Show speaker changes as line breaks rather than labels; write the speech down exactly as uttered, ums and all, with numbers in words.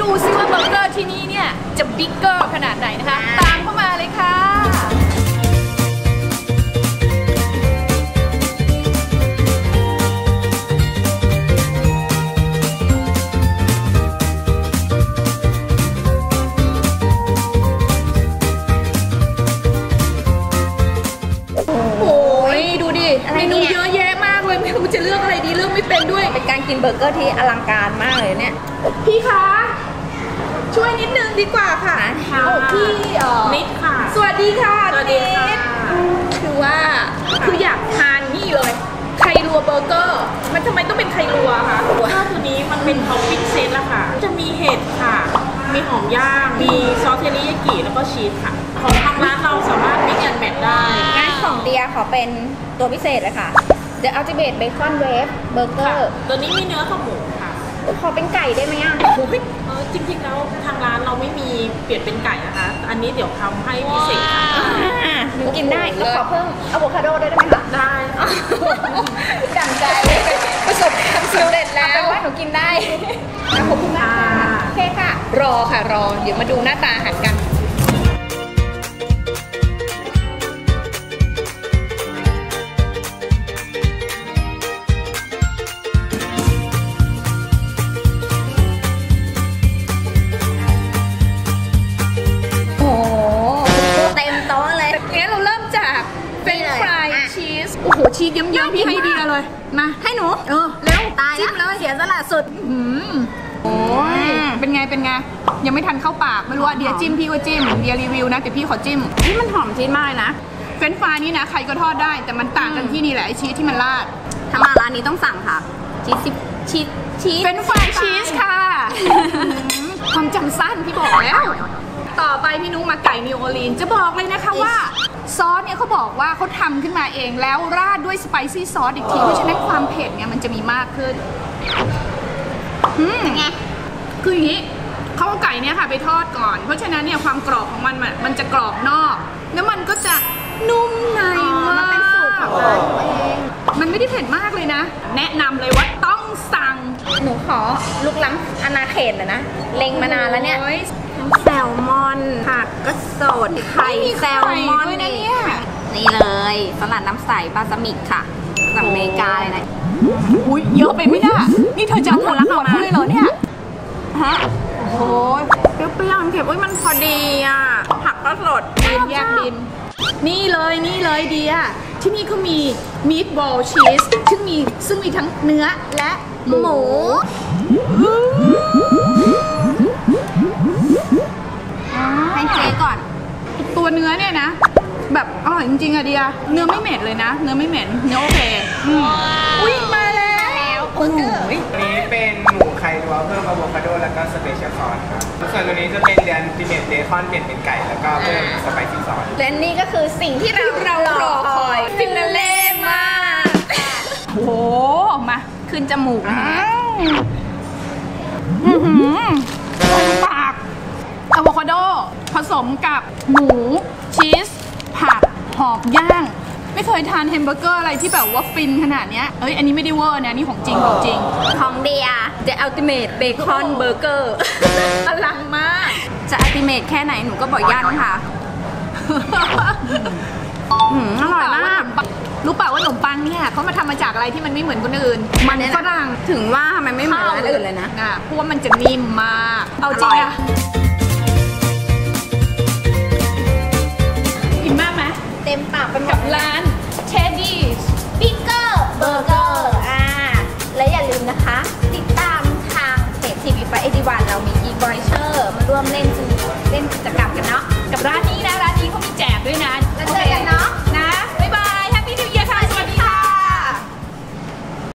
ดูซิว่าเบอร์เกอร์ที่นี่เนี่ยจะบิ๊กเกอร์ขนาดไหนนะคะตามเข้ามาเลยค่ะเมนูเยอะแยะมากเลยไม่รู้จะเลือกอะไรดีเลือกไม่เป็นด้วย
เป็นการกินเบอร์เกอร์ที่อลังการมากเลยเนี่ย
พี่คะช่วยนิดนึงดีกว่าค่ะโอ้พี่
นิดค่ะ
สวัสดีค่ะ
สวัสดีค่ะ
คือว่าคืออยากทานนี่เลยไข่รัวเบอร์เกอร์มันทำไมต้องเป็นไข่รัวคะ
ข้าวตัวนี้มันเป็นท็อปปิ้งเซตละค่ะจะมีเห็ดค่ะมีหอมย่างมีซอสเทริยากิแล้วก็ชีสค่ะของทางร้านเราสามารถมิกซ์แอนด์แมทได้
งานของเดียขอเป็นตัวพิเศษเลยค่ะ The Ultimate Bacon Wave Burger
ตัวนี้มีเนื้อกับหมูค่ะ
ขอเป็นไก่ได้ไหมอ่ะ
เออจริงๆแล้วทางร้านเราไม่มีเปลี่ยนเป็นไก่นะคะอันนี้เดี๋ยวทำให้พิเศษค่ะ
หนูกินได้แล้วขอเพิ่มอะโวคาโดได้ไหมคะ
ได้
ดั่งใจประสบความสำเร็จแล้วแปลว่าหนูกินได้ขอบคุณมากโอเคค่ะ
รอค่ะรอเดี๋ยวมาดูหน้าตาอาหารกันโอ้โหชีสเยิ้มๆพี่ให้ดีเลยมา
ให้หนู
เออแล้ว
ตายจิ้มเลยเสียสละสุด
อืมโอ้ยเป็นไงเป็นไงยังไม่ทันเข้าปากไม่รู้ว่าเดียจิ้มพี่ก็จิ้มเดียรีวิวนะแต่พี่ขอจิ้ม
นี่มันหอมชีสมากนะ
เฟรนช์ฟรายนี่นะใครก็ทอดได้แต่มันต่างกันที่นี่แหละไอชีสที่มันราด
ถ้ามาร้านนี้ต้องสั่งค่ะชีสชีสชีส
เฟรนช์ฟรายชีสค่ะความจำสั้นพี่บอกแล้วต่อไปพี่นุ๊กมาไก่นิวออร์ลีนจะบอกเลยนะคะว่าซอสเนี่ยเขาบอกว่าเขาทำขึ้นมาเองแล้วราดด้วยสไปซี่ซอสอีกทีเพราะฉะนั้นความเผ็ดเนี่ยมันจะมีมากขึ้นอืมไงคืออย่างนี้เขาเอาไก่เนี่ยค่ะไปทอดก่อนเพราะฉะนั้นเนี่ยความกรอบของมันมันจะกรอบนอกแล้วมันก็จะนุ่มในมากมันเป็นสูตรของร้านตัวเองมันไม่ได้เผ็ดมากเลยนะแนะนำเลยว่าต้องสั่ง
หนูขอลุกล้ำอนาเขตเลยนะเล็งมานานแล้วเนี่ยแซลมอนผักก็สดไข่แซลมอนนี่นี่เลยสลัดน้ำใสบาซามิกค่ะจากอเมริกาเลยนะ
อุ้ยเยอะไปไม่ได้นี่เธอจะเอาหมดหมดเลยเหรอเนี่ยฮะโอ้ย
เปรี้ยวๆเผ็ดอุ้ยมันพอดีอ่ะผักก็สด
ดินแยกดินนี่เลยนี่เลยเดียที่นี่เขามีมีทบอลชีสซึ่งมีซึ่งมีทั้งเนื้อและหมู
ให้เจ๊ก่อน
ตัวเนื้อเนี่ยนะแบบอร่อยจริงๆอะเดียเนื้อไม่เหม็นเลยนะเนื้อไม่เหม็นเนื้อโอเคอุ้ยมาแล้ว
โอ้โหอันนี้เป็นหมูไข่รัวเพิ่มอะโวคาโดแล้วก็สเปเชียลซอสครับส่วนตัวนี้จะเป็นเดนติเมตเบคอนเปลี่ยนเป็นไก่แล้วก็เพิ่มสไปซี่ซอส
และนี่ก็คือสิ่งที่เราเรารอคอยฟินาเล่มาก
โอ้โหมาขึ้นจมูกนะคะปากอะโวคาโดผสมกับหมูชีสผักหอมย่างไม่เคยทานแฮมเบอร์เกอร์อะไรที่แบบว่าฟินขนาดเนี้ยเอ้ยอันนี้ไม่ได้เวอร์นะนี่ของจริงของจริง
ของเดีย The Ultimate Bacon Burger
อลังมาก
จะ Ultimate แค่ไหนหนูก็บอกยันค่ะอร่อยมาก
รู้เปล่าว่าขนมปังเนี่ยเขามาทำมาจากอะไรที่มันไม่เหมือนคนอื่นมันฝรั่ง
ถึงว่าทำไมไม่เหมือนร้านอื่นเลยนะ
เพราะว่ามันจะนิ่มมากเอาจริงอะกินมากไหม
เต็มปากเป็น
กับร้านเทดดี้
บิ๊กเกอร์เบอร์เกอร์อ่าและอย่าลืมนะคะติดตามทางเพจทีวีไฟเอดีวันเรามีอีกไวเชอร์มาร่วมเล่นเล่นกิจกรรมกันเนาะกับร้านนี้นะร้าน